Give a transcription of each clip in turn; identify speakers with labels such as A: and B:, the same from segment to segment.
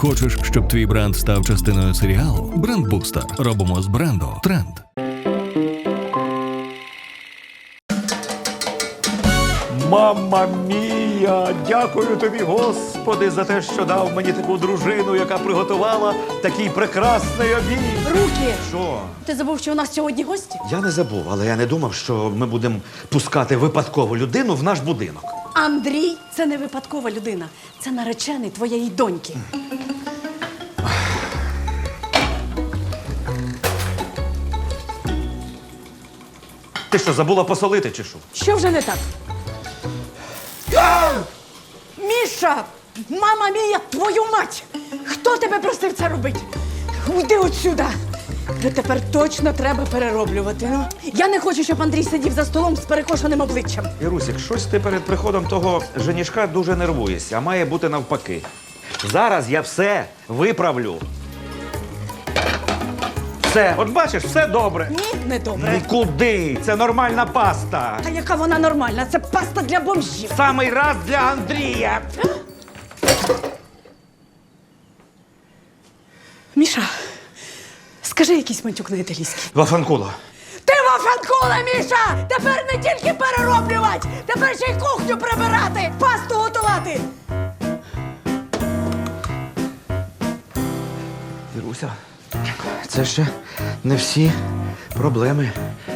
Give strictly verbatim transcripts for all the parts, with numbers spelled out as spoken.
A: Хочеш, щоб твій бренд став частиною серіалу? Брендбустер. Робимо з бренду тренд.
B: Мамма мія! Дякую тобі, Господи, за те, що дав мені таку дружину, яка приготувала такий прекрасний обід.
C: Руки!
B: Що?
C: Ти забув, що у нас сьогодні гості?
B: Я не забув, але я не думав, що ми будемо пускати випадкову людину в наш будинок.
C: Андрій – це не випадкова людина. Це наречений твоєї доньки.
B: Ти що, забула посолити чи що?
C: Що вже не так? Міша! Мама мія, твою мать! Хто тебе просив це робити? Уйди отсюда! Це тепер точно треба перероблювати. Ну, я не хочу, щоб Андрій сидів за столом з перекошеним обличчям.
B: Ірусік, щось ти перед приходом того женішка дуже нервуєшся, а має бути навпаки. Зараз я все виправлю. Все, от бачиш, все добре.
C: Ні, не добре.
B: Нікуди! Це нормальна паста.
C: Та яка вона нормальна? Це паста для бомжів.
B: Самий раз для Андрія.
C: Міша, скажи якийсь матюк на італійській.
B: Вафанкула.
C: Ти вафанкула, Міша! Тепер не тільки перероблювати, тепер ще й кухню прибирати, пасту готувати.
B: Іруся, це ще не всі проблеми.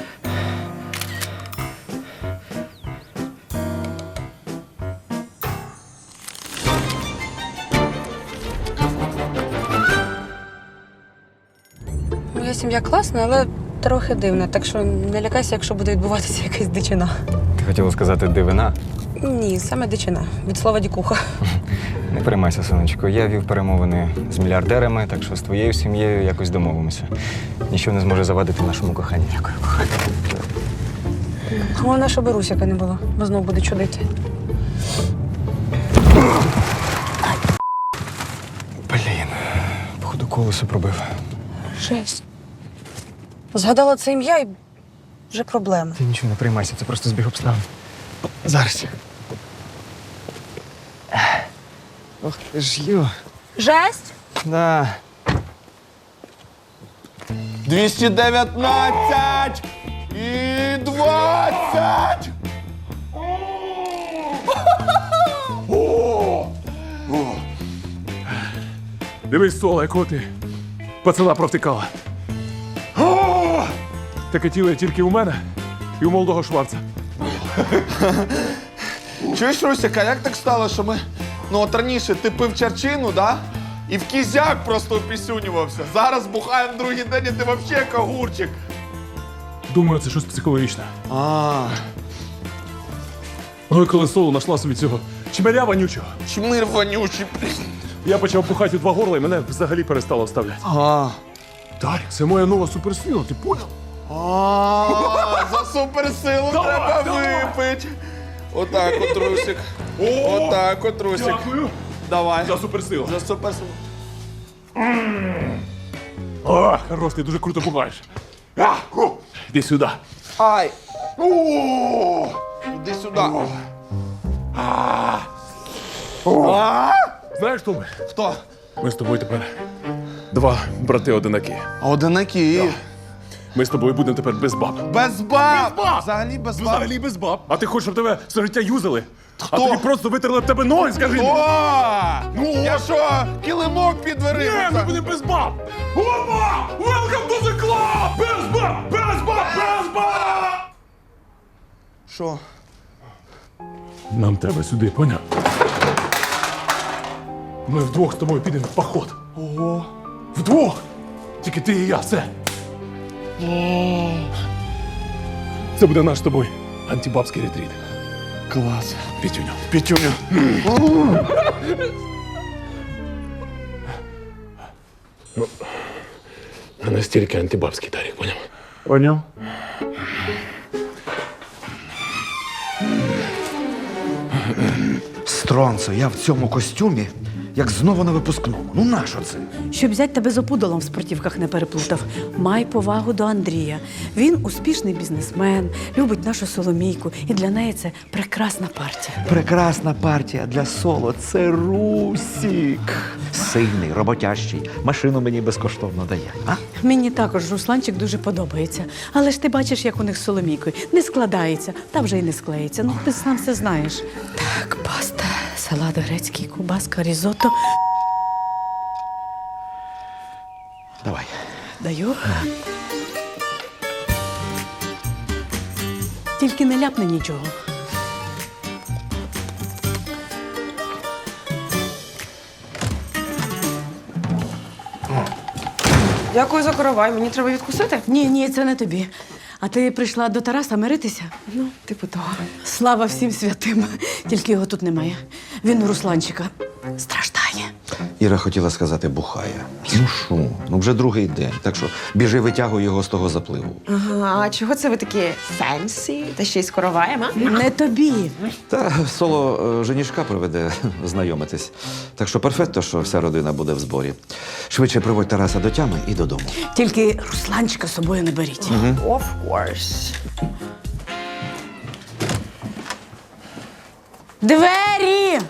D: Моя сім'я класна, але трохи дивна, так що не лякайся, якщо буде відбуватися якась дичина.
E: Ти хотіла сказати дивина?
D: Ні, саме дичина. Від слова дікуха.
E: Не переймайся, сонечко. Я вів перемовини з мільярдерами, так що з твоєю сім'єю якось домовимося. Ніщо не зможе завадити нашому коханню. Дякую, кохання.
D: Головне, щоб Русяка не було, бо знов буде чудити.
E: Блін, походу колесо пробив.
D: Жесть. Згадала це ім'я і вже проблема.
E: Ти нічого не приймайся, це просто збіг обставин. Зараз. Ох, ти ж йо.
D: Жесть?
E: Да.
F: двісті дев'ятнадцять і двадцять.
G: Дивись, Сола, якого ти пацана провтикала. Таке тіло є тільки у мене і у молодого Шварца.
F: Чуєш, Русяка, як так стало, що ми, ну от раніше ти пив чарчину, да? І в кізяк просто опісюнювався. Зараз бухаємо другий день, і ти взагалі кагурчик.
G: Думаю, це щось психологічне.
F: А,
G: Ну і коли Соло знайшла собі цього чмеля вонючого,
F: чмир вонючий.
G: я почав бухати у два горла і мене взагалі перестало вставляти.
F: А,
G: Дарік, це моя нова суперсила, ти поняв?
F: а, за суперсилу
G: Давай,
F: треба
G: давай.
F: випити. Отак от, Русик. Отак от, Русик.
G: Дякую
F: Давай.
G: за суперсилу.
F: За суперсилу.
G: О, хорош, ти дуже круто бухаєш. А, о, Іди сюди.
F: Ай. О, іди сюди.
G: Знаєш, хто ми?
F: Хто?
G: Ми з тобою тепер два брати-одинаки.
F: Одинаки.
G: Ми з тобою будемо тепер без баб.
F: Без баб!
G: Без баб!
F: Взагалі без баб.
G: Взагалі без баб. А ти хочеш, щоб тебе все життя юзали?
F: Хто?
G: А тобі просто витерли б тебе ноги, скажи мені.
F: О!
G: Ну,
F: Я
G: от.
F: що, килимок під
G: Ні,
F: дверима?
G: ми будемо без баб! Опа! Welcome to the club! Без баб! Без баб! Без баб!
F: Що?
G: Нам треба сюди, поняв? Ми вдвох з тобою підемо в поход.
F: Ого.
G: Вдвох! Тільки ти і я, все. Це буде наш з тобою антибабський ретріт.
F: Клас.
G: Пітюню.
F: Пітюню.
G: А настільки антибабський, Дарік, поняв?
F: Поняв?
B: Стронцо, я в цьому костюмі
H: як знову на випускному. Ну нащо це?
C: Щоб взять тебе з опудолом в спортівках не переплутав, май повагу до Андрія. Він успішний бізнесмен, любить нашу Соломійку, і для неї це прекрасна партія.
H: Прекрасна партія для соло. Це Русік. Сильний, роботящий. Машину мені безкоштовно дає. А?
C: Мені також Русланчик дуже подобається. Але ж ти бачиш, як у них з Соломійкою. Не складається, та вже й не склеїться. Ну, ти сам все знаєш. Так, паста, салат грецький, кубаска, різотто.
H: Давай.
C: Даю. Тільки не ляпни нічого.
D: Дякую за коровай, мені треба відкусити.
C: Ні, ні, це не тобі. А ти прийшла до Тараса миритися?
D: Ну, типу того.
C: Слава всім святим. Тільки його тут немає. Він у Русланчика страждає.
H: Іра хотіла сказати бухає. Ну що? Ну вже другий день. Так що біжи, витягуй його з того запливу.
I: Ага, а чого це ви такі фенсі? Та ще й з короваєм, а?
C: Не тобі.
H: Та соло е, женішка приведе знайомитись. Так що перфекто, що вся родина буде в зборі. Швидше приводь Тараса до тями і додому.
C: Тільки Русланчика з собою не беріть.
I: Of course.
C: Двері!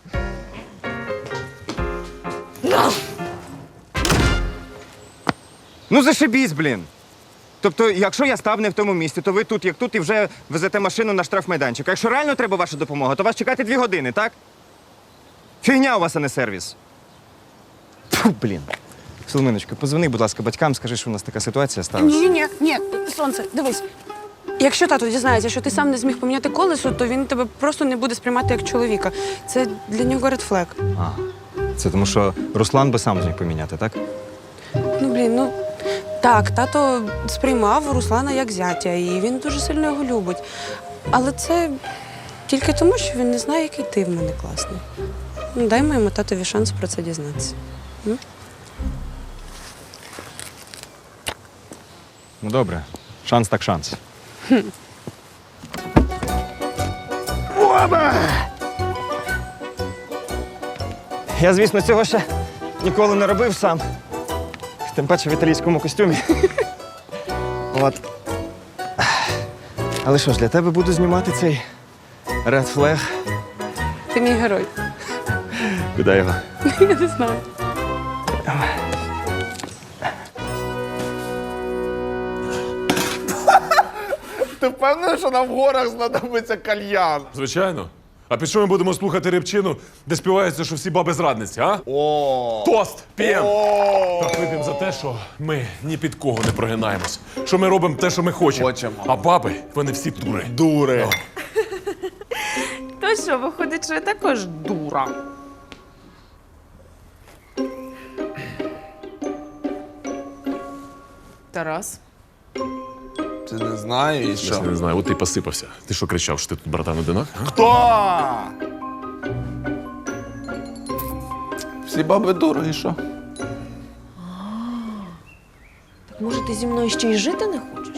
E: Ну зашибісь, блін. Тобто, якщо я став не в тому місці, то ви тут, як тут, і вже везете машину на штрафмайданчик. А якщо реально треба ваша допомога, то вас чекати дві години, так? Фігня у вас, а не сервіс. Фу, блін. Соломиночко, позвони, будь ласка, батькам, скажи, що у нас така ситуація сталася.
D: Ні, ні, ні, сонце, дивись. Якщо тато дізнається, що ти сам не зміг поміняти колесо, то він тебе просто не буде сприймати як чоловіка. Це для нього ред флег.
E: А, це тому, що Руслан би сам зміг поміняти, так?
D: Ну, блін, ну так, тато сприймав Руслана як зятя, і він дуже сильно його любить. Але це тільки тому, що він не знає, який ти в мене класний. Ну, дай моєму татові шанс про це дізнатися. М?
E: Ну добре, шанс так шанс. Я, звісно, цього ще ніколи не робив сам. Тим паче в італійському костюмі. От. Але що ж, для тебе буду знімати цей Red Flag.
D: Ти мій герой.
E: Куди його?
D: Я не знаю.
F: Ти впевнений, що нам в горах знадобиться кальян?
G: Звичайно. А під що ми будемо слухати репчину, де співається, що всі баби зрадниці, а?
F: О!
G: Тост! П'єм!
F: О!
G: Так вип'ємо за те, що ми ні під кого не прогинаємось. Що ми робимо те, що ми хочемо.
F: Хочемо.
G: А баби, вони всі дури.
F: Дури.
I: То що, виходить, що я також дура. Тарас?
F: Ти не знаєш і
G: Я
F: що?
G: не знаю, от ти посипався. Ти що кричав, що ти тут братан одинак? а?
F: Хто? Всі баби дури і що?
I: Так може ти зі мною ще й жити не хочеш?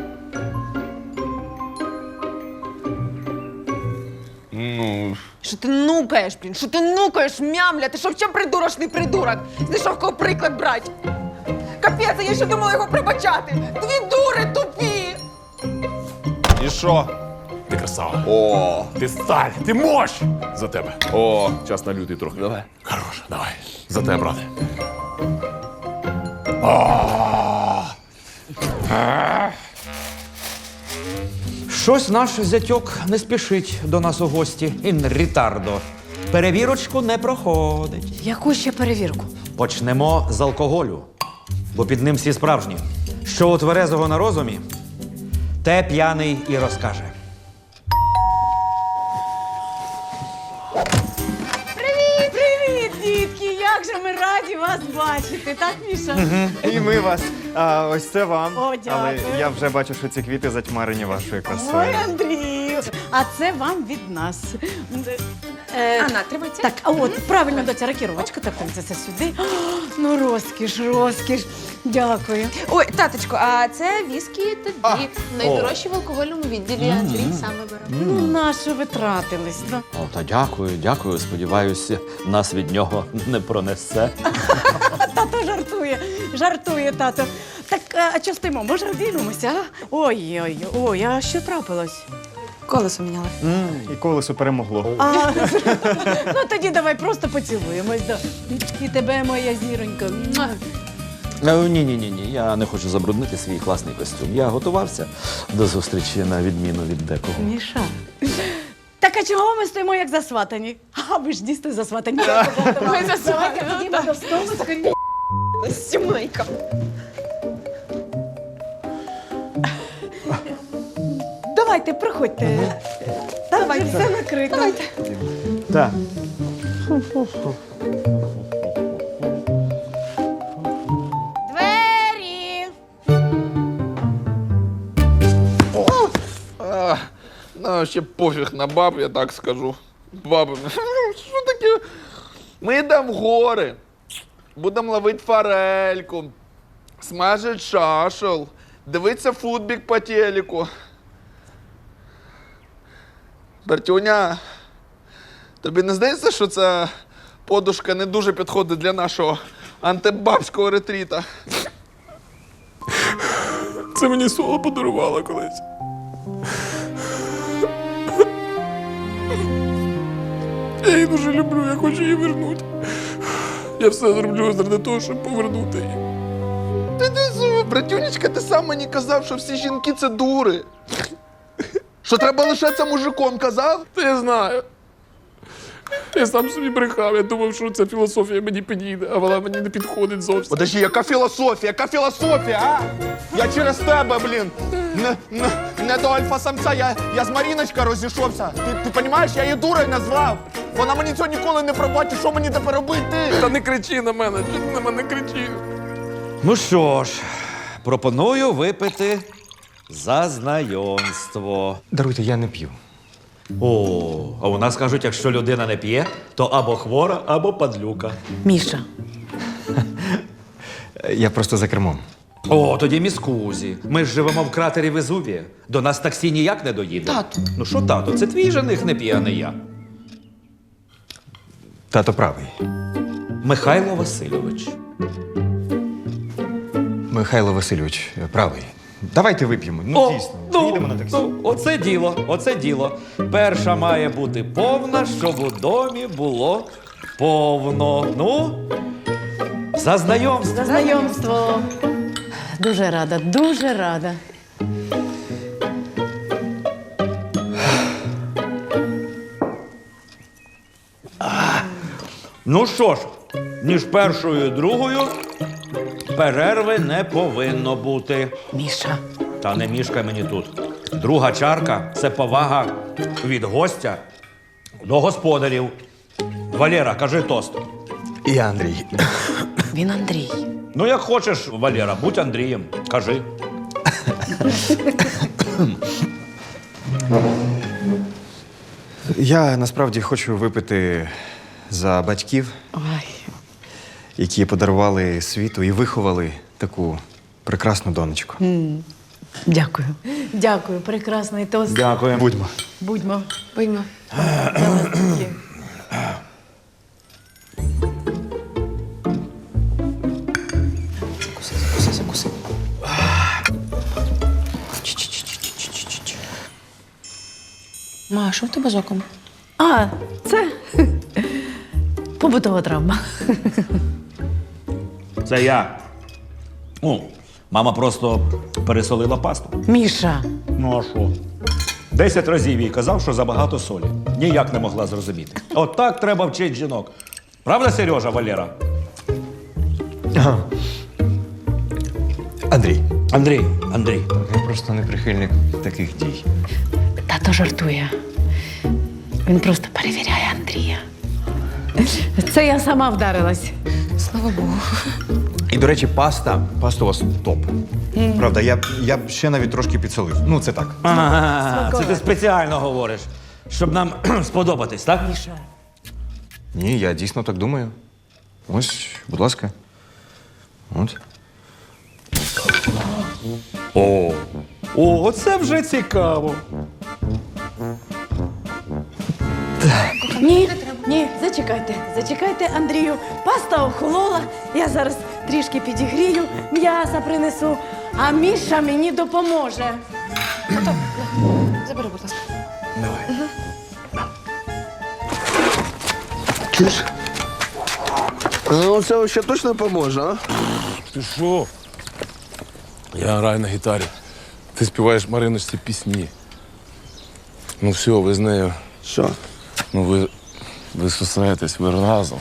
F: Ну,
I: Що ти нукаєш, блін? Що ти нукаєш, мямля? Ти що, взагалі придурочний придурок? Знайшов кого приклад брати? Капець, а я ще думала його пробачати. Дві дури тупі!
F: і що?
G: Ти красава.
F: О,
G: Ти сталь, ти мощ! За тебе.
F: о.
G: Час на лютий трохи.
F: Давай.
G: Хорош, давай. За тебе, брате.
J: Щось наш зятьок не спішить до нас у гості. Ін рітардо. Перевірочку не проходить.
C: Яку ще перевірку?
J: Почнемо з алкоголю, бо під ним всі справжні. Що у тверезого на розумі, те п'яний і розкаже.
C: Привіт, привіт, дітки! Як же ми раді вас бачити, так, Міша?
E: І ми вас. А ось це вам.
C: О, дякую.
E: Але я вже бачу, що ці квіти затьмарені вашою красою.
C: Ой, Андрію! А це вам від нас. Е,
I: Анна, тримай це.
C: Так, а от, правильно, доця ракіровочка, так, так, це, це сюди. О, ну, розкіш, розкіш. Дякую.
I: Ой, таточко, а це віскі тобі.
K: Найдорожчі в алкогольному відділі Андрій саме бере.
C: Ну, нащо ви тратились? Ну.
J: О, та дякую, дякую. Сподіваюся, нас від нього не пронесе.
C: Тато жартує, жартує, тато. Так, а що стоїмо? Може, обіймемося, а? Ой-ой, ой, а що трапилось?
D: Колесо міняли.
E: І колесо перемогло.
C: А, ну тоді давай просто поцілуємось. Да. І тебе, моя зіронька. Муа.
J: Ні, ні, ні, ні. Я не хочу забруднити свій класний костюм. Я готувався до зустрічі на відміну від декого.
C: Міша. Так а чого ми стоїмо як засватані? А ви ж дійсно засватані. Ми засватані. Ходімо до столу.
I: Сімейка.
C: Давайте, проходьте. Давайте, все накрито.
E: Так.
C: Двері!
F: А, ну, ще пофіг на баб, я так скажу. Баби, що таке? Ми йдемо в гори, будемо ловити форельку, смажити шашел, дивитися футбік по телеку. Бертюня, тобі не здається, що ця подушка не дуже підходить для нашого антибабського ретріта?
G: Це мені Соло подарувала колись. Я її дуже люблю, я хочу її вернути. Я все зроблю заради того, щоб повернути її.
F: Ти ти зу, братюнечка, ти сам мені казав, що всі жінки це дури. Що треба лишатися мужиком, казав?
G: Та я знаю. Я сам собі брехав, я думав, що ця філософія мені підійде, а вона мені не підходить зовсім.
F: Подожди, яка філософія, яка філософія, а? Я через тебе, блін. Не, не, не до альфа-самця, я, я з Маріночкою розійшовся. Ти, ти розумієш, я її дурою назвав. Вона мені цього ніколи не пробачить, що мені тепер робити?
G: Та не кричи на мене, чого ти на мене кричиш?
J: Ну що ж, пропоную випити за знайомство.
E: Даруйте, я не п'ю.
J: О, а у нас кажуть, якщо людина не п'є, то або хвора, або падлюка.
C: Міша.
E: Я просто за кермом.
J: О, тоді міскузі. Ми ж живемо в кратері Везувія. До нас таксі ніяк не доїде.
K: Тату.
J: Ну що, тато, це твій жених не п'є, а не я.
E: Тато правий.
J: Михайло Васильович.
E: Михайло Васильович правий. Давайте вип'ємо. Ну, дійсно. Їдемо на таксі.
J: Ну, оце діло, оце діло. Перша має бути повна, щоб у домі було повно. Ну, за знайомство.
C: За знайомство. Дуже рада, дуже рада.
J: Ну що ж, між першою і другою перерви не повинно бути.
C: Міша.
J: Та не мішкай мені тут. Друга чарка – це повага від гостя до господарів. Валера, кажи тост.
E: І Андрій.
C: Він Андрій.
J: Ну, як хочеш, Валера, будь Андрієм. Кажи.
E: Я насправді хочу випити за батьків,
C: Ой.
E: які подарували світу і виховали таку прекрасну донечку.
C: Дякую. Дякую, прекрасний тост.
J: Дякую.
E: Будьмо.
C: Будьмо.
K: Пиймо.
J: Закуси, закуси.
K: Ма, що в тебе з оком?
C: А, це побутова травма.
J: Це я. Ну, мама просто пересолила пасту.
C: Міша.
J: Ну, а що? Десять разів їй казав, що забагато солі. Ніяк не могла зрозуміти. От так треба вчити жінок. Правда, Сережа, Валера?
E: Ага. Андрій.
J: Андрій, Андрій.
E: Я просто не прихильник таких дій.
C: Тато жартує. Він просто перевіряє Андрія. Це я сама вдарилась.
K: Слава Богу.
E: І, до речі, паста. Паста у вас топ. Правда, я б, я б ще навіть трошки підсолив. Ну, це так.
J: Ага, це ти спеціально говориш, щоб нам сподобатись, так?
E: Ні, я дійсно так думаю. Ось, будь ласка. От.
B: О, о, це вже цікаво.
C: Ні, ні, зачекайте, зачекайте, Андрію. Паста охолола, я зараз трішки підігрію, м'яса принесу, а Міша мені допоможе.
K: Забери, будь ласка.
F: Ну, це ще точно поможе, а?
G: Ти що? Я граю на гітарі. Ти співаєш Мариночці пісні. Ну все, ви з нею.
F: Що?
G: Ну ви. Ви сусаєтесь, ви разом.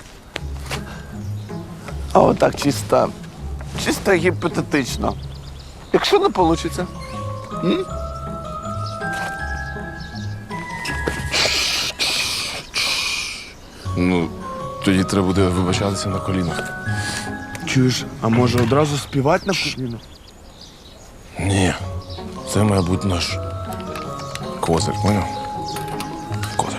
F: А отак чисто. Чисто гіпотетично. Якщо не вийде.
G: Ну, тоді треба буде вибачатися на колінах.
F: Чуєш, а може одразу співати на кухні?
G: Ні. Це має бути наш козир, поняв? Козир.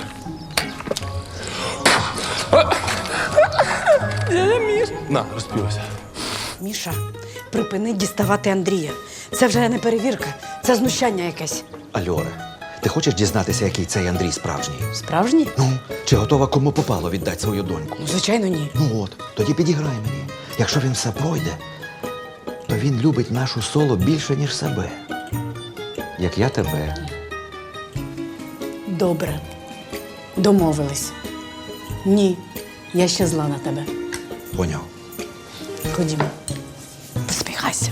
G: На, розпівайся.
C: Міша, припини діставати Андрія. Це вже не перевірка, це знущання якесь.
H: Альоре, ти хочеш дізнатися, який цей Андрій справжній?
C: Справжній?
H: Ну, чи готова кому попало віддати свою доньку?
C: Ну, звичайно, ні.
H: Ну от, тоді підіграй мені. Якщо він все пройде, то він любить нашу соло більше, ніж себе. Як я тебе.
C: Добре. Домовились. Ні, я ще зла на тебе.
H: Поняв.
C: Ходімо. Посміхайся.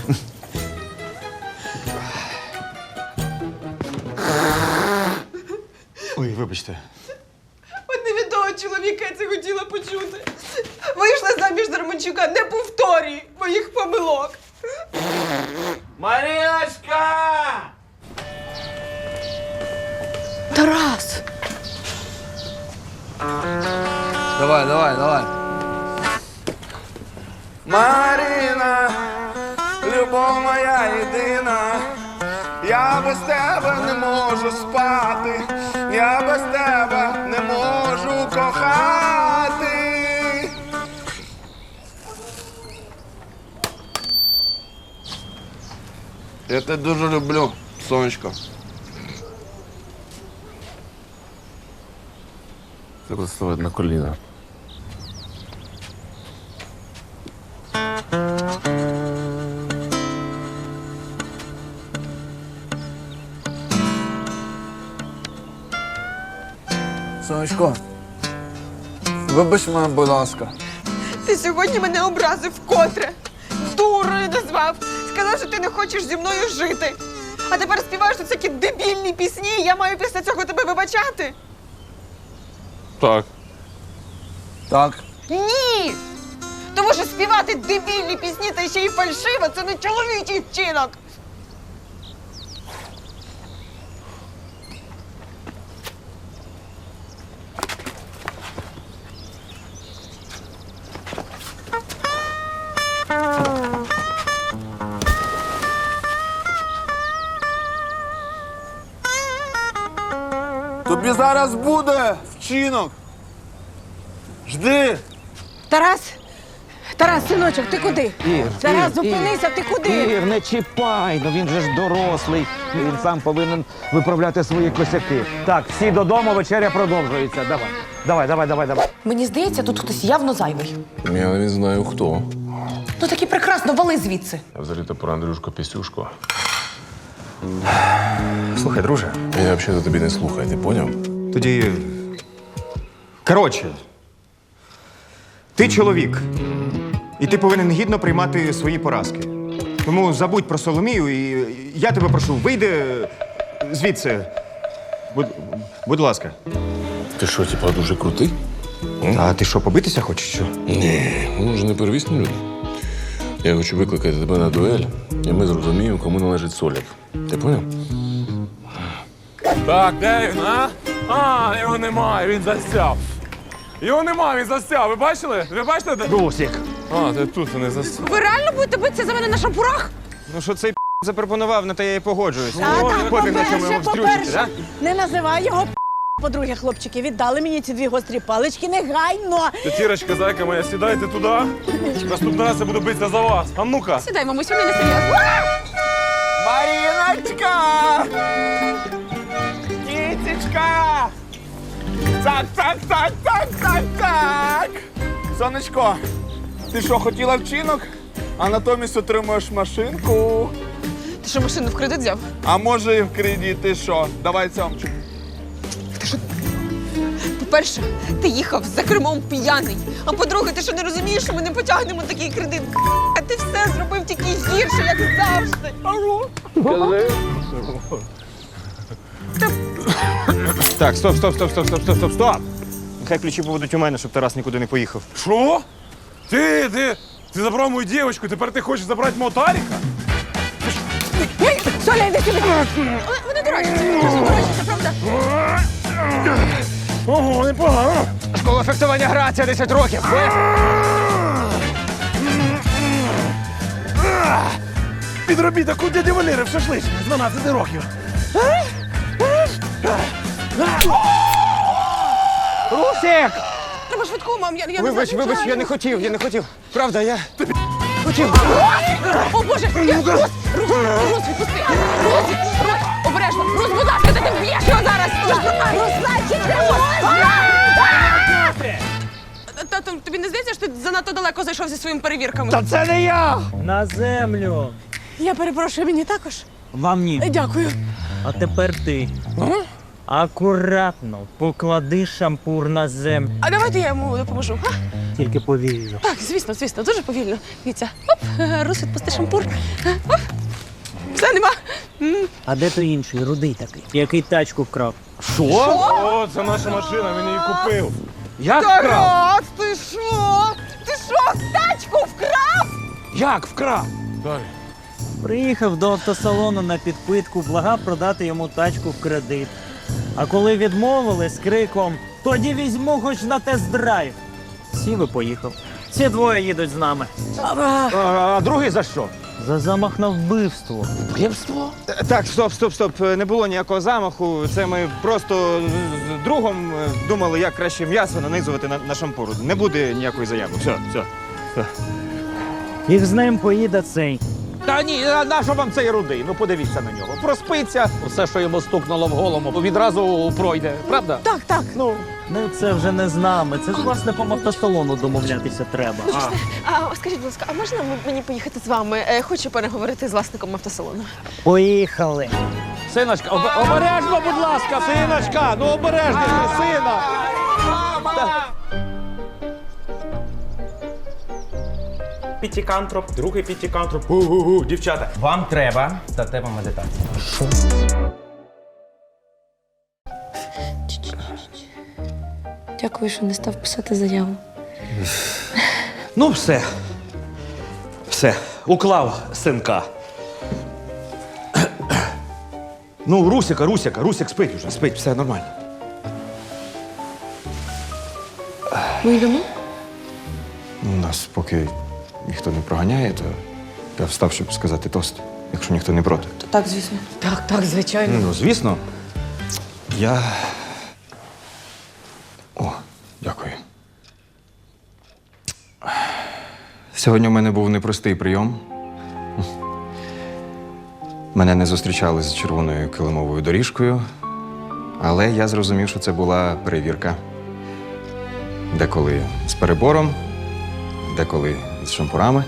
E: Ой, вибачте.
I: От не від того чоловіка я це хотіла почути. Вийшла заміж за Романчука, не повторюй моїх помилок.
F: Маріночка!
C: Тарас!
F: Давай, давай, давай. Маріна, любов моя єдина. Я без тебе не можу спати. Я без тебе не можу кохати. Я тебе дуже люблю, сонечко.
G: Треба ставити на коліна.
F: Сонечко, вибач мене, будь ласка.
I: Ти сьогодні мене образив вкотре. Дурою назвав. Сказав, що ти не хочеш зі мною жити. А тепер співаєш тут всякі дебільні пісні, і я маю після цього тебе вибачати?
G: Так.
F: Так.
I: Ні! Тому що співати дебільні пісні та ще й фальшиво – це не чоловічий вчинок.
F: Тобі зараз буде вчинок. Жди.
C: Тарас! Тарас, синочок, ти куди?
J: Ір,
C: Тарас,
J: Ір,
C: зупинися, ти куди?
J: Ір, не чіпай, ну він же ж дорослий. Він сам повинен виправляти свої косяки. Так, всі додому, вечеря продовжується. Давай, давай, давай, давай, давай.
K: Мені здається, тут хтось явно зайвий.
G: Я не знаю хто.
K: Ну таки прекрасно, вали звідси.
G: Я взагалі-то про Андрюшку Пісюшку.
E: Слухай, друже.
G: Я взагалі тобі не слухаю, ти поняв?
E: Тоді. Коротше, ти чоловік. І ти повинен гідно приймати свої поразки. Тому забудь про Соломію і я тебе прошу, вийди звідси. Будь, будь ласка.
G: Ти що, типа, дуже крутий?
E: А ти що, побитися хочеш? Що?
G: Ні, ми ж не первісні люди. Я хочу викликати тебе на дуель, і ми зрозуміємо, кому належить соляк. Ти поняв?
L: Так, де він, а? А, його немає, він засяв. Його немає, він засяв. Ви бачили? Ви бачите? Де?
J: Русік.
L: А, ти тут не засяв.
I: Ви реально будете битися за мене на шампурах?
E: Ну що цей запропонував, на те я і погоджуюсь.
C: А, так,
E: Пофіг, на чому
C: по-перше,
E: йому встрючити,
C: по-перше, не називай його По-друге, хлопчики, віддали мені ці дві гострі палички негайно.
L: Тетірочка, зайка моя, сідайте туди. Наступний раз я буду битися за вас. А ну-ка.
D: Сідай, мамусь, вони не серйозно.
F: Маріночка! Кітечка! Так, так, так, так, так, так! Сонечко, ти що, хотіла вчинок? А натомість отримуєш машинку.
I: Ти що, машину в кредит взяв?
F: А може і в кредит, ти що? Давай цьомчик.
I: По-перше, ти їхав за кермом п'яний. А по-друге, ти що не розумієш, що ми не потягнемо такий кредит? А ти все зробив тільки гірше, як завжди.
E: Так, стоп, стоп, стоп, стоп, стоп, стоп, стоп, стоп. Нехай ключі будуть у мене, щоб Тарас нікуди не поїхав.
L: Що? Ти, ти, ти забрав мою дівчинку, тепер ти хочеш забрати мого Таріка?
C: Соля, йди сюди. Вони дорожчі, дуже дорожчі, це правда.
L: Ого, непогано.
E: Школа фехтування грація десять років.
L: Підробіток у дяді Валери в шашличні з дванадцяти років.
E: Русик!
D: Треба швидку, мам, я, я
E: Вибач,
D: не
E: вибач, я не хотів, я не хотів. Правда, я хотів.
D: О, Боже! Я... Рус! Рус! Рус, відпусти! Рус! Рус! Обережно! Рус, будь ласка, ти вб'єш його зараз! Русланчик, Тато, тобі не здається, що ти занадто далеко зайшов зі своїми перевірками?
B: Та це не я!
M: На землю.
C: Я перепрошую, мені також.
M: Вам ні.
C: Дякую.
M: А тепер ти. Акуратно поклади шампур на землю.
D: А давайте я йому допоможу. А?
M: Тільки повільно.
D: Так, звісно, звісно, дуже повільно. Дивіться. Оп, Рус, відпусти шампур. Оп. Все, нема. М.
M: А де той інший, рудий такий, який тачку вкрав?
L: Що? О, це наша машина, він її купив.
B: Як вкрав?
I: Тарас, ти що? Ти що, тачку вкрав?
B: Як вкрав?
L: Далі.
M: Приїхав до автосалону на підпитку, благав продати йому тачку в кредит. А коли відмовили з криком «Тоді візьму хоч на тест-драйв», сів і поїхав. Ці двоє їдуть з нами.
B: А, а другий за що?
M: За замах на вбивство.
B: Вбивство?
E: Так, стоп, стоп, стоп. Не було ніякого замаху. Це ми просто з другом думали, як краще м'ясо нанизувати на, на шампур. Не буде ніякої заяви. Все, все.
M: Їх з ним поїде цей.
B: Та ні, а нащо вам цей рудий? Ну подивіться на нього. Проспиться, все, що йому стукнуло в голову, відразу пройде, правда?
C: Так, так.
B: Ну,
M: Ну це вже не з нами. Це з власником автосалону домовлятися треба.
I: А, скажіть, будь ласка, а можна м- мені поїхати з вами? Е, Хочу переговорити з власником автосалону.
M: Поїхали.
B: синочка, об- обережно, будь ласка, синочка, ну обережніше, сина.
N: Пітікантроп, другий пітікантроп. Гу-гу-гу, дівчата, вам треба статева медитація.
D: Дякую, що не став писати заяву.
B: Ну, все. Все, уклав синка. Ну, Русіка, Русіка, Русік спить уже, спить, все нормально.
D: Ми йдемо?
E: Ну, нас поки ніхто не проганяє, то я встав, щоб сказати тост, якщо ніхто не проти.
D: Так, звісно.
C: Так, так, звичайно.
B: Ну, звісно.
E: Я. О, дякую. Сьогодні у мене був непростий прийом. Мене не зустрічали з червоною килимовою доріжкою, але я зрозумів, що це була перевірка. Деколи з перебором, деколи з шампурами.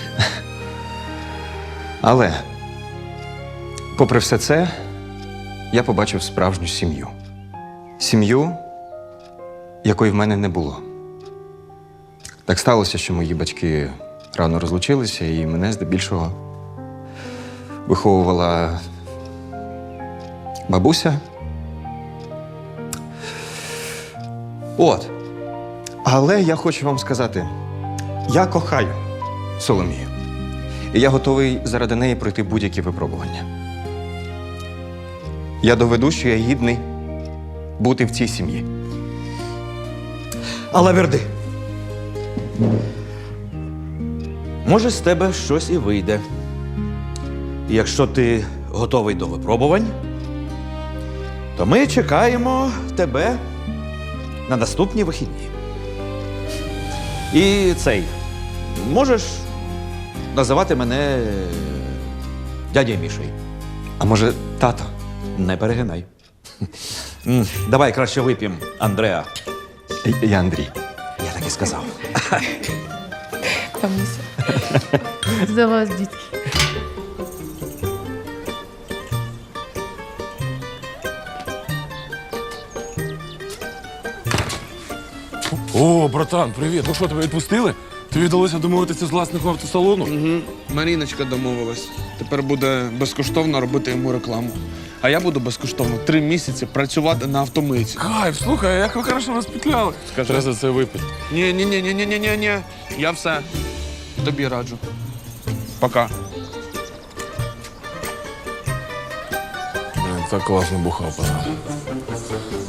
E: Але, попри все це, я побачив справжню сім'ю. Сім'ю, якої в мене не було. Так сталося, що мої батьки рано розлучилися, і мене здебільшого виховувала бабуся. От. Але я хочу вам сказати, я кохаю Соломію. І я готовий заради неї пройти будь-які випробування. Я доведу, що я гідний бути в цій сім'ї.
B: Але Верди, може, з тебе щось і вийде. І якщо ти готовий до випробувань,
H: то ми чекаємо тебе на наступні вихідні. І цей, можеш називати мене дядя Мішей.
E: А може, тато?
H: Не перегинай. М, Давай краще вип'ємо, Андреа.
E: Я Андрій.
H: Я так і сказав.
K: За вас, дітки.
G: О, братан, привіт. Ну що, тебе відпустили? Тобі вдалося домовитися з власником автосалону?
F: Угу. Маріночка домовилась. Тепер буде безкоштовно робити йому рекламу. А я буду безкоштовно три місяці працювати на автомийці.
G: Кайф, слухай, а як ви хорошо розпетляли.
F: Скажи.
G: Треба за це випити.
F: Ні, ні, ні, ні, ні, ні, ні, ні. Я все. Тобі раджу. Пока.
G: Блін, так класно бухав, пацан.